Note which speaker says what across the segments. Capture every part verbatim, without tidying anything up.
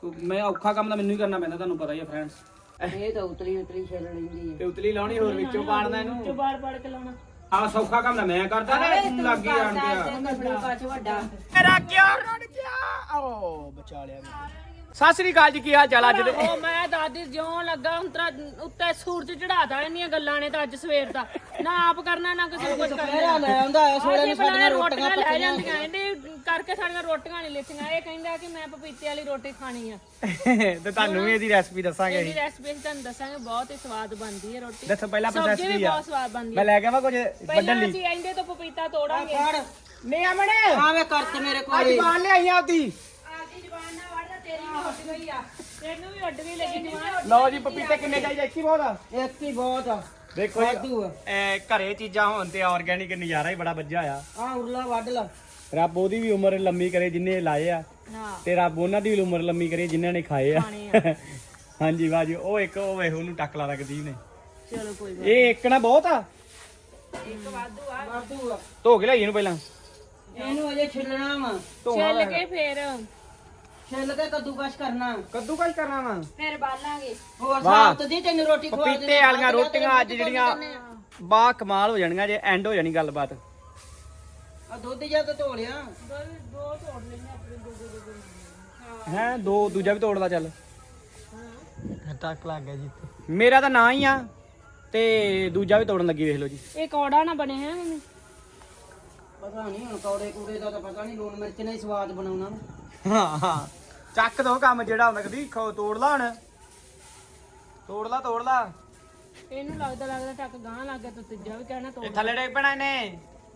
Speaker 1: ਮੈਂ ਔਖਾ ਕੰਮ ਤਾਂ ਮੈਨੂੰ ਹੀ ਕਰਨਾ ਪੈਂਦਾ, ਤੁਹਾਨੂੰ ਪਤਾ ਹੀ ਹੈ ਫਰੈਂਡਸ।
Speaker 2: ਇਹ ਤਾਂ ਉਤਲੀ ਉਤਲੀ ਛਿੱਲ ਲੈਂਦੀ ਹੈ
Speaker 1: ਤੇ ਉਤਲੀ ਲਾਉਣੀ, ਹੋਰ ਵਿੱਚੋਂ ਪਾੜਨਾ ਇਹਨੂੰ,
Speaker 3: ਵਿੱਚੋਂ ਬਾੜ ਬਾੜ ਕੇ ਲਾਉਣਾ।
Speaker 1: ਆਹ ਸੌਖਾ ਕੰਮ ਤਾਂ ਮੈਂ ਕਰਦਾ ਨਾ, ਤੂੰ ਲੱਗ ਹੀ ਜਾਣ
Speaker 2: ਪਾਛ ਵੱਡਾ
Speaker 1: ਮੇਰਾ ਕਿਆ ਰੜ ਗਿਆ, ਓ ਬਚਾ ਲਿਆ। ਸਤਿ ਸ੍ਰੀ ਅਕਾਲ ਜੀ, ਕੀ ਹਾਲ ਚਾਲ? ਅੱਜ ਦੇ
Speaker 3: ਉਹ ਮੈਂ ਦਾਦੀ ਜਿਉਂ ਲੱਗਾ ਉਂਤਰਾ ਉੱਤੇ ਸੂਰਜ ਚੜਾਤਾ ਇੰਨੀਆਂ ਗੱਲਾਂ ਨੇ ਤਾਂ ਅੱਜ ਸਵੇਰ ਦਾ ਨਾ ਆਪ ਕਰਨਾ ਨਾ ਕਿਸੇ ਨੂੰ ਕੁਝ ਕਰਨਾ।
Speaker 2: ਲੈ ਆਉਂਦਾ ਐ ਸੋਲੇ ਨੂੰ ਸਾਡੀਆਂ
Speaker 3: ਰੋਟੀਆਂ ਲੈ ਜਾਂਦੀਆਂ ਇਹਨੇ ਕਰਕੇ ਸਾਡੀਆਂ ਰੋਟੀਆਂ ਨਹੀਂ ਲਿੱਤੀਆਂ। ਇਹ ਕਹਿੰਦਾ ਕਿ ਮੈਂ ਪਪੀਤੇ ਵਾਲੀ ਰੋਟੀ ਖਾਣੀ ਆ
Speaker 1: ਤੇ ਤੁਹਾਨੂੰ ਵੀ ਇਹਦੀ ਰੈਸਪੀ ਦੱਸਾਂਗੇ
Speaker 3: ਇਹਦੀ ਰੈਸਪੀ ਤੁਹਾਨੂੰ ਦੱਸਾਂਗੇ, ਬਹੁਤ ਹੀ ਸਵਾਦ ਬਣਦੀ ਹੈ ਰੋਟੀ।
Speaker 1: ਦੱਸੋ ਪਹਿਲਾਂ ਪ੍ਰੋਸੈਸ
Speaker 3: ਸਬਜ਼ੀ ਵੀ
Speaker 1: ਕੀ ਆ?
Speaker 3: ਬਹੁਤ ਸਵਾਦ ਬਣਦੀ
Speaker 1: ਮੈਂ
Speaker 3: ਹੈ।
Speaker 1: ਲੈ ਕੇ ਆਵਾਂ ਕੁਝ ਵੱਢਣ
Speaker 3: ਪਹਿਲਾਂ
Speaker 1: ਲਈ?
Speaker 3: ਅਸੀਂ ਇਹਦੇ ਤੋਂ ਪਪੀਤਾ ਤੋੜਾਂਗੇ।
Speaker 1: ਨਹੀਂ ਅਮਣੇ
Speaker 2: ਆਵੇ ਕਰਤ ਮੇਰੇ ਕੋਲ
Speaker 1: ਅੱਜ ਬਾਹਰ ਲਿਆਈ ਆਪਦੀ।
Speaker 3: ਆਪਦੀ ਜ਼ਬਾਨ ਨਾਲ ਵੜਦਾ, ਤੇਰੀ ਵੀ ਉੱਡ ਗਈ ਆ, ਤੈਨੂੰ ਵੀ ਉੱਡ ਗਈ ਲੱਗੀ ਜ਼ਬਾਨ।
Speaker 1: ਲਓ ਜੀ, ਪਪੀਤੇ ਕਿੰਨੇ ਚਾਹੀਦੇ? ਇੱਕ ਹੀ ਬਹੁਤ ਆ।
Speaker 2: ਇੱਕ ਹੀ ਬਹੁਤ ਆ।
Speaker 1: ਦੇਖੋ
Speaker 2: ਵਾਧੂ ਆ।
Speaker 1: ਇਹ ਘਰੇ ਚੀਜ਼ਾਂ ਹੋਣ ਤੇ ਆਰਗੈਨਿਕ ਨਜ਼ਾਰਾ ਹੀ ਬੜਾ ਵੱਜਿਆ ਆ।
Speaker 2: ਆ ਉਰਲਾ ਵੱਢ ਲਾ।
Speaker 1: ਰੱਬ ਉਹਦੀ ਵੀ ਉਮਰ ਲੰਮੀ ਕਰੇ ਜਿੰਨੇ ਲਾਏ ਆ,
Speaker 3: ਹਾਂ
Speaker 1: ਤੇ ਰੱਬ ਉਹਨਾਂ ਦੀ ਵੀ ਉਮਰ ਲੰਮੀ ਕਰੇ ਜਿਨ੍ਹਾਂ ਨੇ ਖਾਏ ਆ।
Speaker 3: ਖਾਣੇ ਆ।
Speaker 1: ਹਾਂਜੀ ਬਾਜੀ, ਉਹ ਇੱਕ ਉਹ ਵੇਖ ਉਹਨੂੰ ਟੱਕ ਲਾ ਰੱਖਦੀ ਨੇ।
Speaker 3: ਚਲੋ ਕੋਈ ਗੱਲ
Speaker 1: ਇਹ ਇੱਕ ਨਾ ਬਹੁਤ ਆ।
Speaker 3: ਇੱਕ ਵਾਧੂ ਆ।
Speaker 2: ਵਾਧੂ ਆ।
Speaker 1: ਧੋ ਕੇ ਲਿਆਈ ਇਹਨੂੰ ਪਹਿਲਾਂ।
Speaker 2: ਇਹਨੂੰ ਅਜੇ ਛਿੱਲਣਾ ਵਾ।
Speaker 3: ਛਿੱਲ ਕੇ ਫੇਰ
Speaker 2: ਛਿੱਲ ਕੇ ਕੱਦੂਕਸ਼ ਕਰਨਾ।
Speaker 1: ਕੱਦੂ ਕਾਸ਼ ਕਰਨਾ ਵਾ।
Speaker 3: ਫੇਰ ਬਾਲਾਂਗੇ।
Speaker 2: ਹੋਰ
Speaker 1: ਵਾਹ।
Speaker 2: ਸਾਫ ਦੀ ਤੈਨੂੰ ਰੋਟੀ ਖਵਾ ਦੇ।
Speaker 1: ਪਪੀਤੇ ਵਾਲੀਆਂ ਰੋਟੀਆਂ ਅੱਜ ਜਿਹੜੀਆਂ ਬਾ ਕਮਾਲ ਹੋ ਜਾਣਗੀਆਂ ਜੇ ਐਂਡ ਹੋ ਜਾਣੀ ਗੱਲਬਾਤ।
Speaker 2: ਆ ਦੁੱਧ ਜਾਂ ਤਾਂ ਧੋ ਲਿਆ।
Speaker 3: ਦੋ ਤੋੜ ਲੈਣੇ ਆਪਣੇ ਦੋ ਦੋ ਦੋ।
Speaker 1: ਹੈ ਦੋ ਦੂਜਾ ਵੀ ਤੋੜਦਾ ਚੱਲ।
Speaker 2: ਟੱਕ ਲੱਗ ਗਿਆ ਜੀ।
Speaker 1: ਮੇਰਾ ਤਾਂ ਨਾਂ ਹੀ ਆ ਤੇ ਦੂਜਾ ਵੀ ਤੋੜਨ ਲੱਗੀ, ਵੇਖ ਲਓ ਜੀ।
Speaker 3: ਇਹ ਕੌੜਾ ਨਾ ਬਣੇ ਹੈ ਮੰਮੀ।
Speaker 2: ਪਤਾ ਨਹੀਂ ਹੁਣ ਕੌੜੇ ਕੂੜੇ ਦਾ ਤਾਂ ਪਤਾ ਨਹੀਂ, ਲੂਣ ਮਿਰਚ ਨੇ ਹੀ ਸਵਾਦ ਬਣਾਉਣਾ।
Speaker 1: ਹਾਂ ਹਾਂ, ਚੱਕ ਦੋ ਕੰਮ ਜਿਹੜਾ ਹੁੰਦਾ। ਕਦੀ ਖੋ ਤੋੜ ਲਾ ਹੁਣ, ਤੋੜ ਲਾ ਤੋੜ ਲਾ।
Speaker 3: ਇਹਨੂੰ ਲੱਗਦਾ ਲੱਗਦਾ ਟੱਕ ਗਾਂ ਲੱਗ ਗਿਆ ਤਾਂ ਤੀਜਾ ਵੀ ਕਹਿਣਾ ਤੋੜ।
Speaker 1: ਇਹ ਥੱਲੇ ਡੇਗ ਪੈਣਾ ਇਹਨੇ।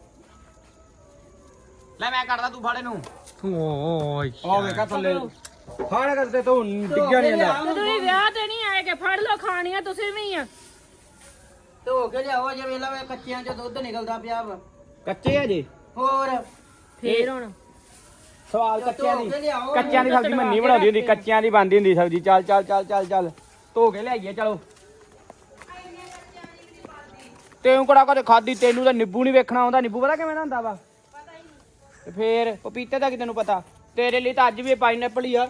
Speaker 1: ਲੈ ਮੈਂ ਕੱਢਦਾ, ਤੂੰ ਫੜ ਇਹਨੂੰ। ਓਏ ਆ ਵੇਖਾ ਥੱਲੇ ਫੜ ਕਰਦੇ ਤੂੰ ਡਿੱਗਿਆ ਨਹੀਂ ਜਾਂਦਾ।
Speaker 3: ਤੁਸੀਂ ਵਿਆਹ ਤੇ ਨਹੀਂ ਆਏ ਕਿ ਫੜ ਲਓ ਖਾਣੀਆਂ ਤੁਸੀਂ ਵੀ ਆ।
Speaker 2: ਧੋ ਕੇ ਲਿਆਓ ਜੇ ਵੇਲਾ ਵੇ ਕੱਚਿਆਂ ਚ ਦੁੱਧ ਨਿਕਲਦਾ ਪਿਆ ਵਾ।
Speaker 1: ਕੱਚੇ ਆ ਜੇ।
Speaker 2: ਹੋਰ
Speaker 3: ਫੇਰ ਹੁਣ
Speaker 1: ਸਵਾਲ ਕੱਚਿਆਂ ਦੀ,
Speaker 2: ਧੋ ਕੇ ਲਿਆਓ।
Speaker 1: ਕੱਚਿਆਂ ਦੀ ਸਬਜ਼ੀ ਮੰਨੀ ਬਣਾਉਂਦੀ ਹੁੰਦੀ, ਕੱਚਿਆਂ ਦੀ ਬਣਦੀ ਹੁੰਦੀ ਸਬਜ਼ੀ। ਚੱਲ ਚੱਲ ਚੱਲ ਚੱਲ ਚੱਲ ਧੋ ਕੇ ਲਿਆਈਏ ਚਲੋ। ਤੈਨੂੰ ਕਿਹੜਾ ਕਦੇ ਖਾਦੀ? ਤੈਨੂੰ ਤਾਂ ਨਿੰਬੂ ਨਹੀਂ ਵੇਖਣਾ ਆਉਂਦਾ। ਨਿੰਬੂ ਪਤਾ ਕਿਵੇਂ ਹੁੰਦਾ ਵਾ? ਤੇ ਫੇਰ ਪਪੀਤੇ ਦਾ ਕੀ ਤੈਨੂੰ ਪਤਾ? ਤੇਰੇ ਲਈ ਤਾਂ ਅੱਜ ਵੀ ਪਾਈਨਐਪਲ ਹੀ ਆ।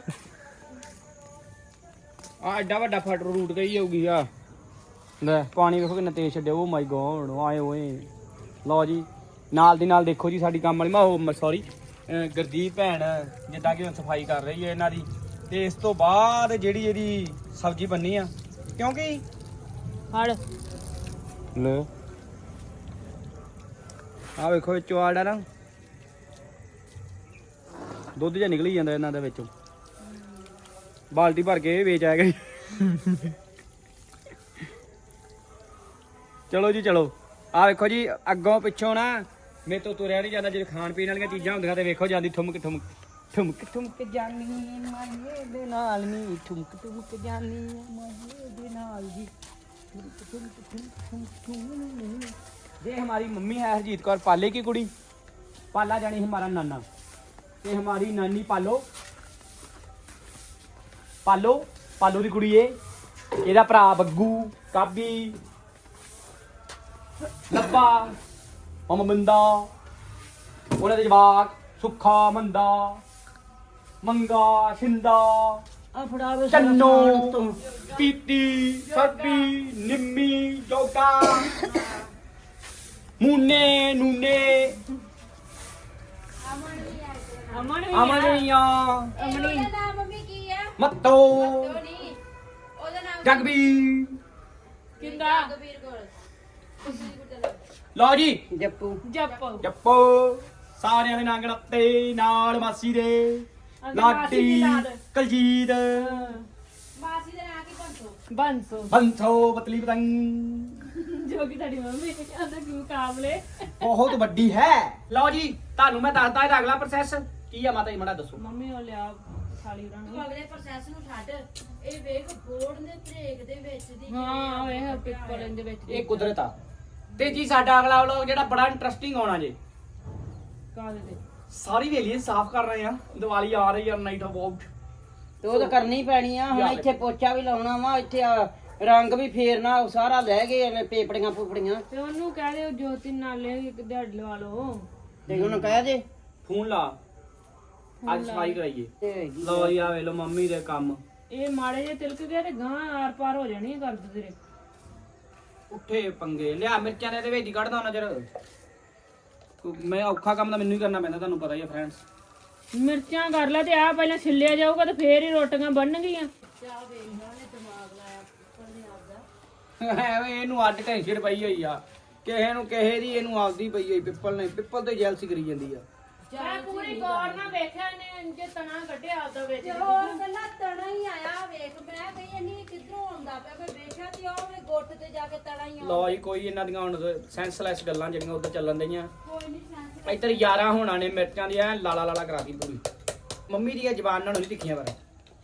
Speaker 1: ਆ ਐਡਾ ਵੱਡਾ ਫਟ ਰੂਟ ਗਈ ਹੋਊਗੀ ਆ। ਲੈ ਪਾਣੀ ਵੇਖੋ ਕਿੰਨਾ ਤੇਜ਼ ਛੱਡਿਆ। ਓ ਮਾਈ ਗੋਡ, ਆਏ ਓਏ। ਲਓ ਜੀ, ਨਾਲ ਦੀ ਨਾਲ ਦੇਖੋ ਜੀ ਸਾਡੀ ਕੰਮ ਵਾਲੀ, ਮੈਂ ਸੌਰੀ ਗੁਰਦੀਪ ਭੈਣ ਜਿੱਦਾਂ ਕਿ ਸਫਾਈ ਕਰ ਰਹੀ ਹੈ ਇਹਨਾਂ ਦੀ। ਤੇ ਇਸ ਤੋਂ ਬਾਅਦ ਜਿਹੜੀ ਇਹਦੀ ਸਬਜ਼ੀ ਬਣਨੀ ਆ, ਕਿਉਂਕਿ
Speaker 3: ਫੜ
Speaker 1: ਲੈ ਆ ਵੇਖੋ ਵਿੱਚੋਂ ਆੜਾ ਨਾ ਦੁੱਧ ਜਿਹਾ ਨਿਕਲੀ ਜਾਂਦਾ ਇਹਨਾਂ ਦੇ ਵਿੱਚੋਂ। ਬਾਲਟੀ ਭਰ ਕੇ ਵੇਚ ਆਇਆ ਗਈ। ਚਲੋ ਜੀ ਚਲੋ, ਆ ਵੇਖੋ ਜੀ ਅੱਗੋਂ ਪਿੱਛੋਂ ਨਾ ਮੇਰੇ ਤੋਂ ਤੁਰਿਆ ਨਹੀਂ ਜਾਂਦਾ। ਜਿਹੜੇ ਖਾਣ ਪੀਣ ਵਾਲੀਆਂ ਚੀਜ਼ਾਂ ਹੁੰਦੀਆਂ ਤੇ ਵੇਖੋ ਜਾਂਦੀ ਠੁਮਕ ਠੁਮਕ ਠੁਮਕ ਠੁਮਕ ਜਾਨੀ ਮਾਏ ਦੇ ਨਾਲ ਨੀ, ਠੁਮਕ ਠੁਮਕ ਜਾਨੀ ਮਾਏ ਦੇ ਨਾਲ ਜੀ। ये हमारी मम्मी है हरजीत कौर, पाले की कुड़ी। पाला जानी हमारा नाना, ते हमारी नानी पालो पालो पालो की कुड़ी है। ਇਹਦਾ ਭਰਾ ਬੱਗੂ, ਕਾਬੀ, ਲੱਭਾ, ਮਮ ਮੰਦਾ, ਉਹਨਾਂ ਦੇ ਜਵਾਕ ਸੁੱਖਾ, ਮੰਦਾ, ਮੰਗਾ, ਸ਼ਿੰਦਾ,
Speaker 2: ਆ ਫੜਾ ਵੇ
Speaker 1: ਚੰਨੋ, ਪੀਤੀ, ਸਰਬੀ, ਨਿੰਮੀ, ਜੋਗਾ, ਮੂਨੇ, ਨੂਨੇ,
Speaker 3: ਅਮਨ ਵੀ
Speaker 1: ਅਮਨੀਆਂ,
Speaker 3: ਅਮਨੀ
Speaker 4: ਨਾਮ ਮੰਮੀ ਕੀ ਆ?
Speaker 1: ਮੱਤੋ,
Speaker 4: ਨਹੀਂ ਉਹਦਾ ਨਾਮ
Speaker 1: ਜਗਬੀ।
Speaker 3: ਕਿੰਦਾ
Speaker 4: ਕਬੀਰ ਕੋਲ।
Speaker 1: ਲਓ ਜੀ
Speaker 2: ਜੱਪੂ
Speaker 3: ਜੱਪ
Speaker 1: ਜੱਪੋ, ਸਾਰਿਆਂ ਦੇ ਨਾਂ ਗਣਤੇ ਨਾਲ ਮਾਸੀ ਦੇ,
Speaker 3: ਮਾਸੀ ਦੀ
Speaker 1: ਲਾਟੀ,
Speaker 3: ਲਾਡ।
Speaker 1: ਕਲਜੀਤ,
Speaker 4: ਮਾਸੀ ਦਾ ਨਾਂ ਕੀ ਬੰਸੋ?
Speaker 3: ਬੰਸੋ
Speaker 1: ਬੰਸੋ, ਬਤਲੀ ਪਤੰਗ,
Speaker 3: ਜੋ ਕਿ ਤੁਹਾਡੀ ਮੰਮੀ ਕਹਿੰਦਾ ਕਿ ਮੁਕਾਬਲੇ
Speaker 1: ਬਹੁਤ ਵੱਡੀ ਹੈ। ਲਓ ਜੀ ਤੁਹਾਨੂੰ ਮੈਂ ਦੱਸਦਾ ਇਹਦਾ ਅਗਲਾ ਪ੍ਰੋਸੈਸ ਕੀ ਆ। ਮਾਤਾ ਜੀ ਮੜਾ ਦੱਸੋ।
Speaker 3: ਮੰਮੀ ਉਹ ਲਿਆ ਥਾਲੀ
Speaker 4: ਤੂੰ
Speaker 3: ਉਹਨਾਂ
Speaker 4: ਅਗਲੇ ਪ੍ਰੋਸੈਸ ਨੂੰ ਛੱਡ, ਇਹ ਵੇਖ ਬੋਰਡ ਦੇ ਬ੍ਰੇਕ ਦੇ ਵਿੱਚ ਦੀ
Speaker 3: ਹਾਂ ਇਹ ਪਿੱਪਲ ਦੇ ਵਿੱਚ
Speaker 1: ਇਹ ਕੁਦਰਤ ਆ। ਤੇ ਜੀ ਸਾਡਾ ਅਗਲਾ ਵਲੋਗ ਜਿਹੜਾ ਬੜਾ ਇੰਟਰਸਟਿੰਗ ਆਉਣਾ ਜੇ।
Speaker 3: ਕਾਹਦੇ ਤੇ
Speaker 1: ਸਾਰੀ ਵੇਲੀ ਸਾਫ਼ ਕਰ ਰਹੇ ਆ, ਦੀਵਾਲੀ ਆ ਰਹੀ ਆ, ਨਾਈਟ ਅਬਾਊਟ।
Speaker 2: ਤੇ ਉਹ ਤਾਂ ਕਰਨੀ ਪੈਣੀ ਆ। ਹੁਣ
Speaker 1: ਯਾਰ।
Speaker 2: ਇੱਥੇ ਪੋਚਾ ਵੀ ਲਾਉਣਾ ਵਾ, ਇੱਥੇ ਆ ਰੰਗ ਵੀ ਫੇਰਨਾ, ਉਹ ਸਾਰਾ ਲੈ ਗਏ ਨੇ ਪੇਪੜੀਆਂ ਪੂਪੜੀਆਂ।
Speaker 3: ਤੇ ਉਹਨੂੰ ਕਹਿ ਦਿਓ ਜੋਤੀ ਨਾਲੇ ਇੱਕ ਦਿਹਾੜੀ ਲਵਾ ਲਓ।
Speaker 2: ਤੇ ਉਹਨੂੰ ਕਹਿ ਦੇ
Speaker 1: ਫੋਨ ਲਾ। ਅੱਜ ਸਫਾਈ ਕਰਾਈਏ।
Speaker 2: ਤੇ ਹੈਗੀ।
Speaker 1: ਲਓ ਜੀ ਆ ਵੇ ਲੋ ਮੰਮੀ ਦੇ ਕੰਮ।
Speaker 3: ਇਹ ਮਾੜੇ ਜੇ ਤਿਲਕ ਗਏ ਤੇ ਗਾਂ ਆਰ ਪਾਰ ਹੋ ਜਾਣੀ ਕਰ ਦੇ ਤੇਰੇ।
Speaker 1: ਉੱਠੇ ਪੰਗੇ ਲਿਆ ਮਿਰਚਾਂ ਦੇ ਇਹਦੇ ਵਿੱਚ ਹੀ ਕੱਢਦਾ ਉਹਨਾਂ ਚਿਰ। ਮੈਂ ਔਖਾ ਕੰਮ ਤਾਂ ਮੈਨੂੰ ਹੀ ਕਰਨਾ ਪੈਂਦਾ, ਤੁਹਾਨੂੰ ਪਤਾ ਹੀ ਹੈ ਫਰੈਂਡਸ।
Speaker 3: ਮਿਰਚਾਂ ਕਰ ਲੈ ਤੇ ਆ ਪਹਿਲਾਂ ਛਿੱਲਿਆ ਜਾਊਗਾ ਤੇ ਫੇਰ ਹੀ ਰੋਟੀਆਂ ਬਣਨਗੀਆਂ।
Speaker 1: ਐਵੇਂ ਇਹਨੂੰ ਅੱਡ ਟੈਨਸ਼ਨ ਪਈ ਹੋਈ ਆ, ਕਿਸੇ ਨੂੰ ਕਿਸੇ ਦੀ ਇਹਨੂੰ ਆਪਦੀ ਪਈ ਹੋਈ। ਪਿੱਪਲ ਨੇ ਪਿੱਪਲ ਤੇ ਜੈਲਸੀ ਕਰੀ ਜਾਂਦੀ ਆ।
Speaker 3: ਮੈਂ ਪੂਰੀ ਗੌਰ ਨਾਲ ਵੇਖਿਆ ਨੇ ਜੇ ਤਣਾ ਕੱਢਿਆ ਆਪਦਾ ਵਿੱਚ।
Speaker 4: ਹੋਰ ਗੱਲਾਂ ਤਣਾ ਹੀ ਆਇਆ ਵੇਖ ਮੈਂ ਕਹੀ ਨਹੀਂ ਕਿੱਧਰੋਂ ਆਉਂਦਾ ਪਿਆ ਮੈਂ ਵੇਖਿਆ ਤੇ ਉਹ ਵੇ ਗੁੱਟ ਤੇ ਜਾ ਕੇ ਤਣਾ ਹੀ
Speaker 1: ਲਓ ਜੀ ਕੋਈ ਇਹਨਾਂ ਦੀਆਂ ਹੁਣ ਸੈਂਸਲੈਸ ਗੱਲਾਂ ਜਿਹੜੀਆਂ ਉੱਧਰ ਚੱਲਣ ਦਈਆਂ।
Speaker 4: ਕੋਈ ਨਹੀਂ ਸੈਂਸ
Speaker 1: ਇੱਧਰ ਯਾਰਾਂ ਹੋਣਾ ਨੇ ਮਿਰਚਾਂ ਦੀ ਐ ਲਾਲਾ ਲਾਲਾ ਕਰਾਤੀ ਪੂਰੀ। ਮੰਮੀ ਦੀਆਂ ਜ਼ਬਾਨ ਨਾਲ ਨਹੀਂ ਦਿਖੀਆਂ ਪਰ।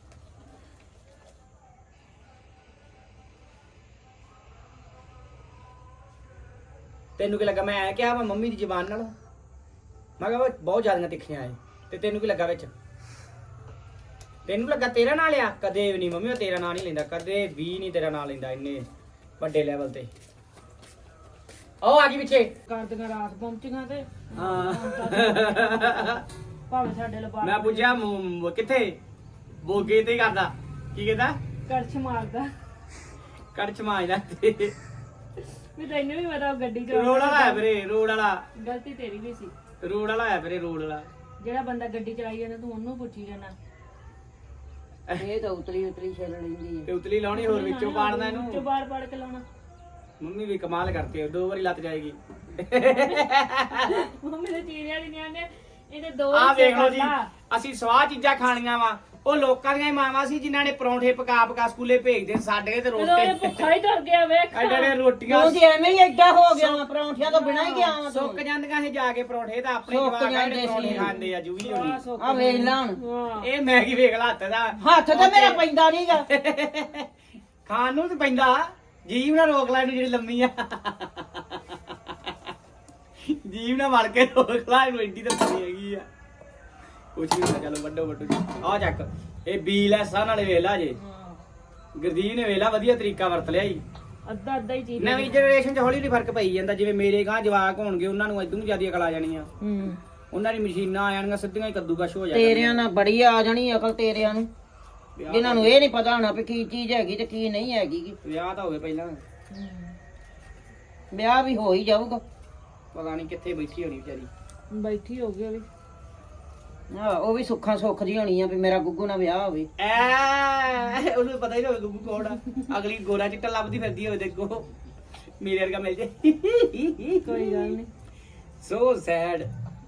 Speaker 1: ਤੈਨੂੰ ਕੀ ਲੱਗਾ ਮੈਂ ਐ ਕਿਹਾ ਵਾ ਮੰਮੀ ਦੀ ਜ਼ਬਾਨ ਨਾਲ? ਮੈਂ ਕਿਹਾ ਬਹੁਤ ਜ਼ਿਆਦੀਆਂ ਤਿੱਖੀਆਂ ਐ। ਤੇ ਤੈਨੂੰ ਕੀ ਲੱਗਾ ਵਿੱਚ? ਤੈਨੂੰ ਲੱਗਾ ਤੇਰਾ ਨਾਂ ਲਿਆ? ਕਦੇ ਵੀ ਨਹੀਂ ਮੰਮੀ, ਉਹ ਤੇਰਾ ਨਾਂ ਨਹੀਂ ਲੈਂਦਾ, ਕਦੇ ਵੀ ਨਹੀਂ ਤੇਰਾ ਨਾਂ ਲੈਂਦਾ ਇੰਨੇ ਵੱਡੇ ਲੈਵਲ ਤੇ। ਉਹ ਆ ਗਈ ਪਿੱਛੇ
Speaker 3: ਕਰਦੀਆਂ ਰਾਤ ਪਹੁੰਚੀਆਂ ਤੇ
Speaker 1: ਹਾਂ।
Speaker 3: ਭਾਵੇਂ ਸਾਡੇ ਲਬਾ
Speaker 1: ਮੈਂ ਪੁੱਛਿਆ ਮ- ਕਿੱਥੇ ਬੋਗੇ ਤੇ ਕਰਦਾ ਕੀ ਕਹਿੰਦਾ?
Speaker 3: ਕਰਛ ਮਾਰਦਾ।
Speaker 1: ਕੜਛ ਮਾਜਦਾ ਤੇ
Speaker 3: ਵੀ ਤੈਨੂੰ ਵੀ ਪਤਾ ਉਹ ਗੱਡੀ ਚ
Speaker 1: ਰੋਡ ਵਾਲਾ ਹੈ ਵੀਰੇ, ਰੋਡ ਵਾਲਾ
Speaker 3: ਗਲਤੀ ਤੇਰੀ ਵੀ ਸੀ।
Speaker 1: ਰੋਡ ਵਾਲਾ ਹੈ ਵੀਰੇ, ਰੋਡ ਵਾਲਾ।
Speaker 3: ਜਿਹੜਾ ਬੰਦਾ ਗੱਡੀ ਚਲਾਈ ਜਾਂਦਾ ਤੂੰ ਉਹਨੂੰ ਪੁੱਛੀ ਜਾਣਾ।
Speaker 2: ਇਹ ਤਾਂ ਉਤਰੀ ਉਤਰੀ ਛੇਲ ਲੈਂਦੀ
Speaker 1: ਤੇ ਉਤਲੀ ਲਾਉਣੀ ਹੋਰ ਵਿੱਚੋਂ ਪਾੜਨਾ
Speaker 3: ਵਿੱਚੋਂ
Speaker 1: ਇਹਨੂੰ।
Speaker 3: ਬਾੜ ਬਾੜ ਕੇ ਲਾਉਣਾ।
Speaker 1: ਮੰਮੀ ਵੀ ਕਮਾਲ ਕਰਤੀ, ਦੋ ਵਾਰੀ ਲੱਤ ਜਾਏਗੀ।
Speaker 3: ਮੰਮੀ ਦੇ ਚੀਰਿਆਂ ਦੀ ਨਹੀਂ ਆਂਦੇ ਇਹਦੇ ਦੋ
Speaker 1: ਆਹ
Speaker 3: ਹਿੱਸੇ
Speaker 1: ਵੇਖ ਲਓ
Speaker 3: ਕਰ
Speaker 1: ਜੀ,
Speaker 3: ਲਾ।
Speaker 1: ਅਸੀਂ ਸਵਾਹ ਚੀਜ਼ਾਂ ਖਾਣੀਆਂ ਵਾ। ਉਹ ਲੋਕਾਂ ਦੀਆਂ ਹੀ ਮਾਵਾਂ ਸੀ ਜਿਨ੍ਹਾਂ ਨੇ ਪਰੌਂਠੇ ਪਕਾ ਪਕਾ ਸਕੂਲੇ ਭੇਜਦੇ, ਸਾਡੇ ਤੇ
Speaker 3: ਜਦੋਂ ਇਹ
Speaker 1: ਰੋਟੀ
Speaker 3: ਭੁੱਖਾ ਹੀ ਤੁਰ ਗਿਆ ਵੇਖ।
Speaker 1: ਐਡੇ ਐਡੇ ਰੋਟੀਆਂ
Speaker 2: ਤੂੰ ਤੇ ਐਵੇਂ ਹੀ ਐਡਾ ਹੋ ਗਿਆ ਵਾ, ਪਰੌਂਠਿਆਂ ਤੋਂ ਬਿਨਾਂ ਹੀ ਗਿਆ ਵਾ
Speaker 1: ਸੁੱਕ
Speaker 2: ਤੂੰ।
Speaker 1: ਜਾਂਦੀਆਂ ਸੀ ਜਾ ਕੇ ਪਰੌਂਠੇ ਤਾਂ ਆਪਣੇ
Speaker 2: ਸੁੱਕ
Speaker 1: ਜਵਾਕ
Speaker 2: ਜਾਂਦੇ
Speaker 1: ਜਿਹੜੇ ਪਰੌਂਠੇ
Speaker 2: ਸੀ।
Speaker 1: ਖਾਂਦੇ ਆ ਜੂਵੀ ਹੋਣੀ।
Speaker 2: ਆ ਵੇਖ ਲਾ ਹੁਣ,
Speaker 3: ਹਾਂ
Speaker 1: ਇਹ ਮੈਂ ਕੀ ਵੇਖ ਲਾ ਹੱਥ ਦਾ
Speaker 2: ਹੱਥ ਤਾਂ ਮੇਰਾ ਪੈਂਦਾ ਨਹੀਂਗਾ।
Speaker 1: ਖਾਣ ਨੂੰ ਤੇ ਪੈਂਦਾ, ਜੀਵ ਨਾ ਰੋਕ ਲੈ ਇਹਨੂੰ ਜਿਹੜੀ ਲੰਮੀ ਆ। ਜੀਵ ਨਾ ਵੜ ਕੇ ਰੋਕ ਲੈ ਇਹਨੂੰ, ਐਡੀ ਤਾਂ ਪਈ ਹੈਗੀ ਆ। ਕੁਛ ਨਹੀਂ ਹੁੰਦਾ, ਚਲੋ ਵੱਡੋ ਵੱਡੋ ਜੀ। ਆ ਚੱਕ ਇਹ ਬੀ ਲੈਸਾਂ ਨਾਲੇ ਵੇਖ ਲਾ ਜੇ। ਗੁਰਦੀਪ ਨੇ ਵੇਖ ਲਾ ਵਧੀਆ ਤਰੀਕਾ ਵਰਤ ਲਿਆ ਜੀ।
Speaker 3: ਅੱਧਾ ਅੱਧਾ ਹੀ ਚੀਜ਼।
Speaker 1: ਨਵੀਂ ਜਨਰੇਸ਼ਨ 'ਚ ਹੌਲੀ ਹੌਲੀ ਫਰਕ ਪਈ ਜਾਂਦਾ। ਜਿਵੇਂ ਮੇਰੇ ਗਾਂ ਜਵਾਕ ਹੋਣਗੇ, ਉਹਨਾਂ ਨੂੰ ਇਦੋਂ ਜ਼ਿਆਦਾ ਅਕਲ ਆ ਜਾਣੀ ਆ।
Speaker 2: ਹੂੰ
Speaker 1: ਉਹਨਾਂ ਦੀ ਮਸ਼ੀਨਾਂ ਆ ਜਾਣਗੀਆਂ, ਸਿੱਧੀਆਂ ਹੀ ਕੱਦੂਕਸ਼ ਹੋ ਜਾਣਗੀਆਂ।
Speaker 2: ਤੇਰਿਆਂ ਨਾਲ ਬੜੀ ਆ ਜਾਣੀ ਅਕਲ ਤੇਰਿਆਂ ਨੂੰ, ਜਿਨ੍ਹਾਂ ਨੂੰ ਇਹ ਨਹੀਂ ਪਤਾ ਹੋਣਾ ਵੀ ਕੀ ਚੀਜ਼ ਹੈਗੀ ਤੇ ਕੀ ਨਹੀਂ ਹੈਗੀ।
Speaker 1: ਵਿਆਹ ਤਾਂ ਹੋਵੇ ਪਹਿਲਾਂ,
Speaker 2: ਵਿਆਹ ਵੀ ਹੋ ਹੀ ਜਾਊਗਾ।
Speaker 1: ਪਤਾ ਨਹੀਂ ਕਿੱਥੇ ਬੈਠੀ ਹੋਣੀ ਵਿਚਾਰੀ।
Speaker 3: ਬੈਠੀ ਹੋ ਗਈ ਉਹ ਵੀ।
Speaker 2: ਹਾਂ ਉਹ ਵੀ ਸੁੱਖਾਂ ਸੁੱਖ ਦੀ ਹੋਣੀ ਆ ਵੀ ਮੇਰਾ ਗੁੱਗੂ ਨਾਲ ਵਿਆਹ ਹੋਵੇ।
Speaker 1: ਐ ਉਹਨੂੰ ਪਤਾ ਹੀ ਨਾ ਹੋਵੇ ਗੁੱਗੂ ਕੌਣ ਆ। ਅਗਲੀ ਗੋਰਾ ਚਿੱਟਾ ਲੱਭਦੀ ਫਿਰਦੀ ਹੋਵੇ, ਦੇਖੋ ਮੇਰੇ ਵਰਗਾ ਮਿਲ ਜੇ।
Speaker 3: ਕੋਈ ਗੱਲ ਨਹੀਂ।
Speaker 1: So sad.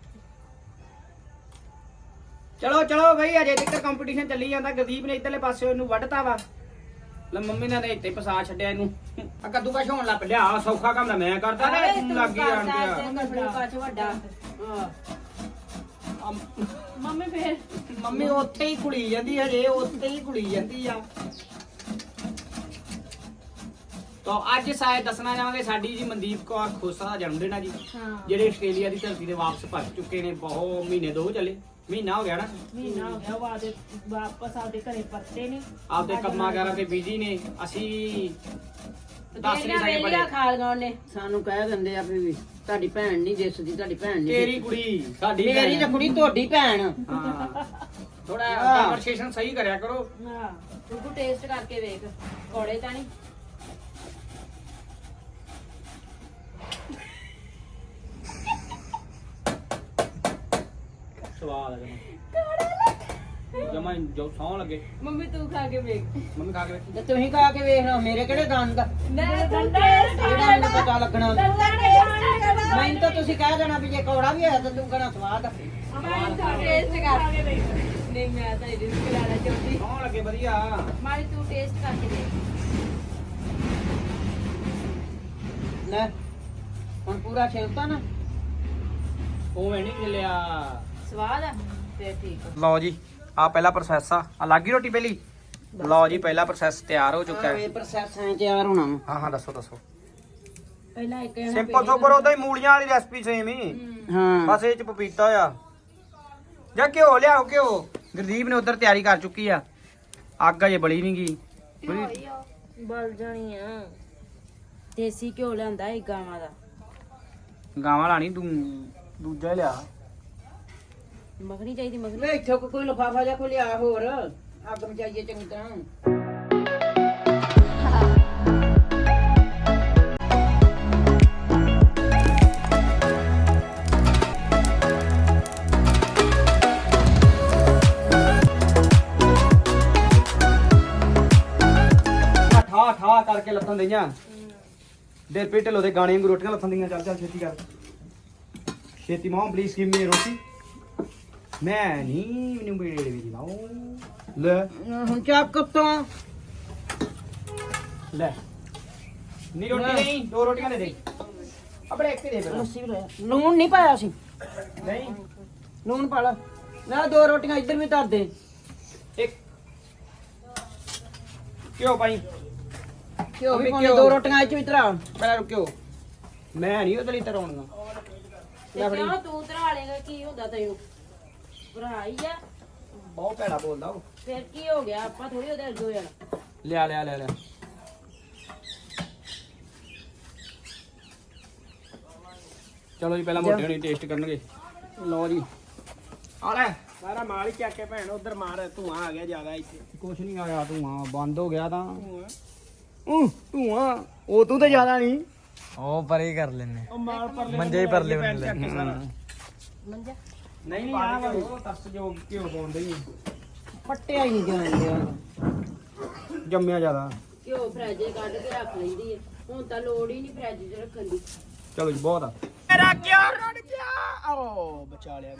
Speaker 1: ਚਲੋ ਚਲੋ ਬਈ, ਅਜੇ ਤੱਕ ਕੰਪੀਟੀਸ਼ਨ ਚੱਲੀ ਜਾਂਦਾ। ਗੁਰਦੀਪ ਨੇ ਇੱਧਰਲੇ ਪਾਸੇ ਇਹਨੂੰ ਵੱਢਤਾ ਵਾ, ਲੈ ਮੰਮੀ ਨੇ ਇੱਥੇ ਫਸਾ ਛੱਡਿਆ ਇਹਨੂੰ। ਆ ਕੱਦੂ ਕਸ਼ ਹੋਣ ਲੱਗ ਪਿਆ। ਆ ਸੌਖਾ ਕੰਮ ਤਾਂ ਮੈਂ ਕਰਦਾ ਨਾ, ਤੂੰ ਲੱਗ ਹੀ ਜਾਣ ਗਿਆ।
Speaker 2: ਵੱਡਾ
Speaker 3: ਮੰਮੀ ਫੇਰ
Speaker 1: ਮੰਮੀ ਉੱਥੇ ਹੀ ਕੁੜੀ ਜਾਂਦੀ ਹਜੇ, ਉੱਥੇ ਹੀ ਕੁੜੀ ਜਾਂਦੀ ਆ। ਤਾਂ ਅੱਜ ਸ਼ਾਇਦ ਦੱਸਣਾ ਚਾਹਾਂਗੇ ਸਾਡੀ ਜੀ ਮਨਦੀਪ ਕੌਰ ਖੋਸਾ ਦਾ ਜਨਮ ਦਿਨ ਆ ਜੀ,
Speaker 3: ਹਾਂ
Speaker 1: ਜਿਹੜੇ ਆਸਟ੍ਰੇਲੀਆ ਦੀ ਧਰਤੀ ਤੇ ਵਾਪਸ ਭੱਜ ਚੁੱਕੇ ਨੇ। ਬਹੁਤ ਮਹੀਨੇ ਦੋ ਚੱਲੇ, ਮਹੀਨਾ ਹੋ ਗਿਆ ਨਾ।
Speaker 3: ਮਹੀਨਾ ਹੋ ਗਿਆ ਵਾਦੇ ਵਾਪਸ ਆਪਦੇ ਘਰੇ ਪਰਤੇ ਨੇ।
Speaker 1: ਆਪਦੇ ਕੰਮਾਂ ਕਾਰਾਂ ਤੇ ਬਿਜੀ ਨੇ। ਅਸੀਂ ਦੱਸ ਨਹੀਂ ਸਕਦੇ ਬੜੇ।
Speaker 2: ਖਾ ਲਗਾਉਣ ਨੇ ਸਾਨੂੰ ਕਹਿ ਦਿੰਦੇ ਆ ਵੀ ਤੁਹਾਡੀ ਭੈਣ ਨਹੀਂ ਦਿਸਦੀ, ਤੁਹਾਡੀ ਭੈਣ ਨਹੀਂ
Speaker 1: ਤੇਰੀ ਕੁੜੀ ਸਾਡੀ
Speaker 2: ਮੇਰੀ ਤਾਂ ਕੁੜੀ ਤੁਹਾਡੀ ਭੈਣ।
Speaker 1: ਹਾਂ ਥੋੜਾ
Speaker 2: ਹਾਂ।
Speaker 1: ਕਨਵਰਸੇਸ਼ਨ ਸਹੀ ਕਰਿਆ ਕਰੋ।
Speaker 3: ਹਾਂ
Speaker 4: ਤੂੰ ਟੇਸਟ ਕਰਕੇ ਵੇਖ ਕੋੜੇ ਤਾਂ ਨਹੀਂ।
Speaker 1: ਸਵਾਦ ਆ ਜਮਾ ਜੋ ਸੌਂ ਲੱਗੇ।
Speaker 4: ਮੰਮੀ ਤੂੰ ਖਾ ਕੇ ਵੇਖ।
Speaker 1: ਮੰਮੀ ਖਾ ਕੇ ਵੇਖੀ।
Speaker 2: ਤੇ ਤੁਸੀਂ ਖਾ ਕੇ ਵੇਖ ਲਓ, ਮੇਰੇ ਕਿਹੜੇ ਦੰਦ ਆ
Speaker 4: ਮੈਂ ਤੂੰ ਟੇਸਟ
Speaker 2: ਜਿਹੜਾ ਮੈਨੂੰ ਪਤਾ ਲੱਗਣਾ।
Speaker 4: ਕਰਨਾ।
Speaker 2: ਮੈਨੂੰ ਤਾਂ ਤੁਸੀਂ ਕਹਿ ਦੇਣਾ ਵੀ ਜੇ ਕੌੜਾ ਵੀ ਹੋਇਆ ਤਾਂ ਤੂੰ ਕਹਿਣਾ ਸਵਾਦ ਆ।
Speaker 4: ਟੇਸਟ ਕਰ ਨਹੀਂ ਮੈਂ ਤਾਂ ਰਿਸਕ ਲੈਣਾ ਚਾਹੁੰਦੀ।
Speaker 1: ਸੌਂ ਲੱਗੇ ਵਧੀਆ।
Speaker 4: ਮਾਰੀ ਤੂੰ ਟੇਸਟ ਕਰਕੇ ਦੇਖ।
Speaker 2: ਲੈ ਹੁਣ ਪੂਰਾ ਛਿਲਤਾ ਨਾ।
Speaker 1: ਉਵੇਂ ਨਹੀਂ ਮਿਲਿਆ।
Speaker 4: ਸਵਾਦ ਆ ਫੇਰ ਠੀਕ ਆ।
Speaker 1: ਲਓ ਜੀ ਆ ਪਹਿਲਾ ਪ੍ਰੋਸੈਸ ਆ। ਆ ਲੱਗੀ ਰੋਟੀ ਪਹਿਲੀ। ਲਓ ਜੀ ਪਹਿਲਾ ਪ੍ਰੋਸੈਸ ਤਿਆਰ ਹੋ ਚੁੱਕਾ ਹੈ।
Speaker 2: ਇਹ ਪ੍ਰੋਸੈਸ ਐ ਤਿਆਰ ਹੋਣਾ ਵਾ।
Speaker 1: ਹਾਂ ਹਾਂ ਦੱਸੋ ਦੱਸੋ।
Speaker 3: ਪਹਿਲਾਂ ਇੱਕ
Speaker 1: ਸਿੰਪਲ ਸੋਬਰ ਉਹਦਾ ਹੀ ਮੂਲੀਆਂ ਵਾਲੀ ਰੈਸਪੀ ਸੇਮ ਹੀ,
Speaker 2: ਹਾਂ
Speaker 1: ਬਸ ਇਹ ਚ ਪਪੀਤਾ ਆ ਜਾਂ ਘਿਓ ਲਿਆਓ। ਘਿਓ ਗੁਰਦੀਪ ਨੇ ਉਧਰ ਤਿਆਰੀ ਕਰ ਚੁੱਕੀ ਆ। ਅੱਗ ਅਜੇ ਬਲੀ ਨਹੀਂ ਗਈ।
Speaker 3: ਬਲ ਜਾਣੀ ਆ।
Speaker 4: ਦੇਸੀ ਘਿਓ ਲਿਆਂਦਾ ਇਹ ਗਾਵਾਂ ਦਾ।
Speaker 1: ਗਾਵਾਂ ਲਾਣੀ ਤੂੰ ਦੂਜਾ ਹੀ ਲਿਆ।
Speaker 4: ਮੱਖਣੀ ਚਾਹੀਦੀ ਮੱਖਣੀ
Speaker 2: ਵੇ ਇੱਥੋਂ ਕੋ- ਕੋਈ ਲਫਾਫਾ ਜਾਂ ਕੋਈ ਲਿਆ ਹੋਰ ਅੱਗ ਮਚਾਈਏ ਚੰਗੀ ਤਰ੍ਹਾਂ।
Speaker 1: ਠਾ ਠਾ ਕਰਕੇ ਲੱਥਣ ਦਈਆਂ ਦੇ ਪੇ ਢਿੱਲੋਂ ਦੇ ਗਾਣੇ ਵਾਂਗੂ ਰੋਟੀਆਂ ਲੱਥਣ ਦਈਆਂ। ਚੱਲ ਚੱਲ ਛੇਤੀ ਕਰ ਛੇਤੀ ਮੋਮ ਪਲੀਜ਼ ਗਿਵ ਮੀ ਰੋਟੀ। ਮੈਂ ਨਹੀਂ ਮੈਨੂੰ ਬੇੜੇ ਵੀ ਲਾਓ ਲੈ
Speaker 2: ਹੁਣ ਚਾਪ ਕੱਤੋਂ
Speaker 1: ਲੈ ਨੀ ਰੋਟੀ ਨਹੀਂ ਦੋ ਰੋਟੀਆਂ ਦੇ ਦੇ ਆਪਣੇ ਇੱਕ ਹੀ ਦੇ ਫਿਰ
Speaker 2: ਲੱਸੀ ਵੀ ਲੈ ਲੂਣ ਨਹੀਂ ਪਾਇਆ ਸੀ।
Speaker 1: ਨਹੀਂ
Speaker 2: ਲੂਣ ਪਾ ਲਾ ਲੈ ਦੋ ਰੋਟੀਆਂ ਇੱਧਰ ਵੀ ਧਰ ਦੇ।
Speaker 1: ਇੱਕ ਕਿਉਂ ਭਾਈ
Speaker 2: ਘਿਓ ਵੀ
Speaker 1: ਅਬੇ
Speaker 2: ਪਾਉਣੀ
Speaker 1: ਘਿਓ।
Speaker 2: ਦੋ ਰੋਟੀਆਂ ਇੱਥੇ ਵੀ ਧਰਾ।
Speaker 1: ਪਹਿਲਾਂ ਰੁਕਿਓ ਮੈਂ ਨਹੀਂ ਉਹਦੇ ਲਈ ਤਰਾਉਣਾ
Speaker 4: ਤੇ ਕਿਉਂ ਤੂੰ ਧਰਾ ਲੇਗਾ ਕੀ ਹੁੰਦਾ ਤੈਨੂੰ ਭਰਾ ਹੀ ਆ
Speaker 1: ਬਹੁਤ ਭੈੜਾ ਬੋਲਦਾ ਉਹ।
Speaker 4: ਫਿਰ ਕੀ ਹੋ ਗਿਆ ਆਪਾਂ ਥੋੜੀ ਉਹਦੇ ਅੱਗੇ ਹੋ ਜਾਣਾ
Speaker 1: ਲਿਆ ਲਿਆ ਲਿਆ ਲਿਆ ਚਲੋ ਜੀ ਪਹਿਲਾਂ ਮੋਟੇ ਹੋਣੀ ਟੇਸਟ ਕਰਨਗੇ। ਲਓ ਜੀ ਆ ਲੈ
Speaker 5: ਸਾਰਾ ਮਾਲ ਹੀ ਚੱਕ ਕੇ ਭੈਣ ਉਧਰ ਮਾਰ ਧੂਆਂ ਆ ਗਿਆ ਜ਼ਿਆਦਾ ਇੱਥੇ।
Speaker 1: ਕੁਛ ਨਹੀਂ ਆਇਆ ਧੂਆਂ ਬੰਦ ਹੋ ਗਿਆ ਤਾਂ ਉਹ ਧੂਆਂ ਉਹ ਤੂੰ ਤਾਂ ਜ਼ਿਆਦਾ ਨਹੀਂ
Speaker 6: ਉਹ ਪਰੇ ਕਰ ਲੈਨੇ
Speaker 5: ਉਹ ਮਾਲ ਪਰ
Speaker 6: ਮੰਜੇ ਹੀ ਪਰਲੇ ਬੰਨੇ
Speaker 5: ਚੱਕ ਕੇ ਸਾਰਾ।
Speaker 4: ਮੰਜਾ
Speaker 1: ਨਹੀਂ ਨਹੀਂ ਆ ਉਹ ਤਰਸ ਜੋ ਘਿਓ ਪਾਉਂਦੇ ਹੀ
Speaker 2: ਪੱਟਿਆ ਹੀ ਨਹੀਂ ਜਾਣ ਡਿਆ।
Speaker 1: ਜੰਮਿਆ ਜ਼ਿਆਦਾ।
Speaker 4: ਘਿਓ ਫਰਿੱਜ ਕੱਢ ਕੇ ਰੱਖ ਲੈਂਦੀ ਹੈ ਹੁਣ ਤਾਂ ਲੋੜ ਹੀ ਨਹੀਂ ਫਰਿੱਜ 'ਚ ਰੱਖਣ ਦੀ
Speaker 1: ਚਲੋ ਜੀ ਬਹੁਤ ਆ
Speaker 5: ਮੇਰਾ ਕਿਉਂ ਰੁੜ ਗਿਆ ਓ ਬਚਾ ਲਿਆ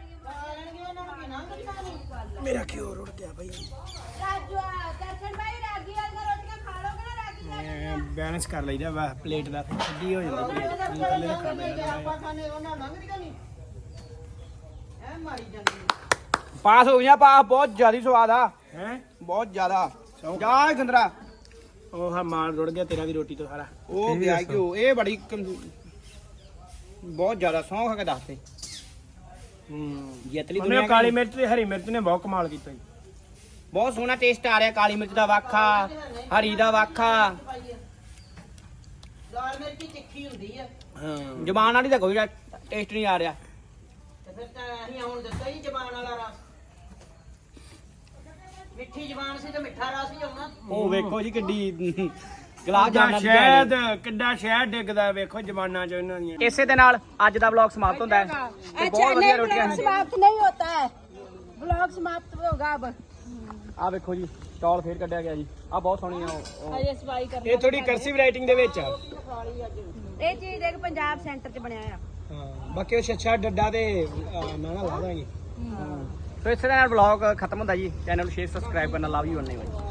Speaker 5: ਮੇਰਾ ਕਿਉਂ ਰੁੜ ਗਿਆ ਬਈ।
Speaker 4: ਰਾਜੂ ਦਰਸ਼ਨ ਭਾਈ ਰਾਗੀ ਵਾਲੀਆਂ ਰੋਟੀਆਂ ਖਾ ਲੋਗੇ ਨਾ ਰਾਗੀ
Speaker 5: ਬੈਲੈਂਸ ਕਰ ਲਈਦਾ ਵਾ ਪਲੇਟ ਦਾ ਫਿਰ ਸਿੱਧੀ ਹੋ ਜਾਂਦੀ ਪਲੇਟ ਨੂੰ ਥੱਲੇ ਰੱਖਣਾ ਪੈਂਦਾ
Speaker 2: ਆਪਾਂ ਖਾਣੇ ਉਹਨਾਂ ਲੰਘਦੀਆਂ ਨਹੀਂ ਐ ਮਾਰੀ ਜਾਂਦੀ।
Speaker 1: ਪਾਸ ਹੋ ਗਿਆ ਪਾ ਬਹੁਤ ਜ਼ਿਆਦਾ ਸਵਾਦ ਆ
Speaker 5: ਹੈ
Speaker 1: ਬਹੁਤ ਜ਼ਿਆਦਾ ਜਾ ਗੰਦਰਾ
Speaker 5: ਉਹ ਹਾਂ ਮਾਲ ਰੁੜ ਗਿਆ ਤੇਰਾ ਵੀ ਰੋਟੀ ਤੋਂ ਸਾਰਾ।
Speaker 1: ਉਹ ਗਿਆ ਘਿਓ ਇਹ ਬੜੀ ਕਮ- ਬਹੁਤ ਜ਼ਿਆਦਾ ਸੌਂ ਖਾ ਕੇ ਦੱਸਦੇ
Speaker 5: ਹੂੰ
Speaker 1: ਜਿੱਤਲੀ
Speaker 5: ਉਹਨੇ
Speaker 1: ਦੁਨੀਆ
Speaker 5: ਕਾਲੀ ਮਿਰਚ ਤੇ ਹਰੀ ਮਿਰਚ ਨੇ ਬਹੁਤ ਕਮਾਲ ਕੀਤਾ ਜੀ।
Speaker 1: ਬਹੁਤ ਸੋਹਣਾ ਟੇਸਟ ਆ ਰਿਹਾ। ਕਾਲੀ ਮਿਰਚ ਦਾ ਵਾਖਾ ਹਰੀ ਦਾ ਵਾਖਾ
Speaker 2: ਲਾਲ ਮਿਰਚੀ ਤਿੱਖੀ ਹੁੰਦੀ ਆ
Speaker 5: ਹਾਂ
Speaker 1: ਜ਼ਬਾਨ ਵਾਲੀ ਦਾ ਕੋਈ ਟੇਸਟ ਨਹੀਂ ਆ ਰਿਹਾ।
Speaker 2: ਤੇ ਫਿਰ ਤਾਂ ਅਸੀਂ ਹੁਣ ਦਿੱਤਾ ਹੀ ਜ਼ਬਾਨ ਵਾਲਾ ਰਸ। ਮਿੱਠੀ ਜ਼ਬਾਨ ਸੀ ਤੇ ਮਿੱਠਾ ਰਸ ਹੀ ਆਉਣਾ।
Speaker 1: ਉਹ ਵੇਖੋ ਜੀ ਕਿੱਡੀ ਗਲਾਸ
Speaker 5: ਕਿੱਡਾ
Speaker 1: ਜਾਮਣਾ
Speaker 5: ਸ਼ਹਿਦ ਕਿੱਡਾ ਸ਼ਹਿਦ ਡਿੱਗਦਾ ਵੇਖੋ ਜ਼ਬਾਨਾਂ ਚ ਇਹਨਾਂ ਦੀਆਂ।
Speaker 1: ਇਸੇ ਦੇ ਨਾਲ ਅੱਜ ਦਾ ਵਲੌਗ ਸਮਾਪਤ ਹੁੰਦਾ ਹੈ ਤੇ ਬਹੁਤ ਵਧੀਆ ਰੋਟੀਆਂ ਸੀ।
Speaker 4: समाप्त नहीं होता है ब्लॉग समाप्त होगा अब
Speaker 1: ਆ ਵੇਖੋ ਜੀ ਸਟਾਲ ਫੇਰ ਕੱਢਿਆ ਗਿਆ ਜੀ ਆ ਬਹੁਤ ਸੋਹਣੀ ਆ ਉਹ- ਉਹ
Speaker 4: अजय सफाई कर
Speaker 5: ਇਹ ਥੋੜੀ ਕਰਸਿਵ ਰਾਈਟਿੰਗ ਦੇ ਵਿੱਚ ਆ।
Speaker 4: ਇਹ ਚੀਜ਼ ਦੇਖ ਪੰਜਾਬ ਸੈਂਟਰ 'ਚ ਬਣਿਆ ਆ
Speaker 5: ਹਾਂ ਬਾਕੀ ਉਹ ਛੱਛਾ ਡੱਡਾ ਤੇ ਅਹ, ਮੈਂ ਨਾ ਲਾ ਦਾਂਗੇ।
Speaker 1: ਸੋ ਇਸੇ ਦੇ ਨਾਲ ਵਲੌਗ ਖਤਮ ਹੁੰਦਾ ਜੀ। ਚੈਨਲ ਨੂੰ ਸ਼ੇਅਰ ਸਬਸਕ੍ਰਾਈਬ ਕਰਨਾ ਲਵ ਯੂ ਅੰਨੇ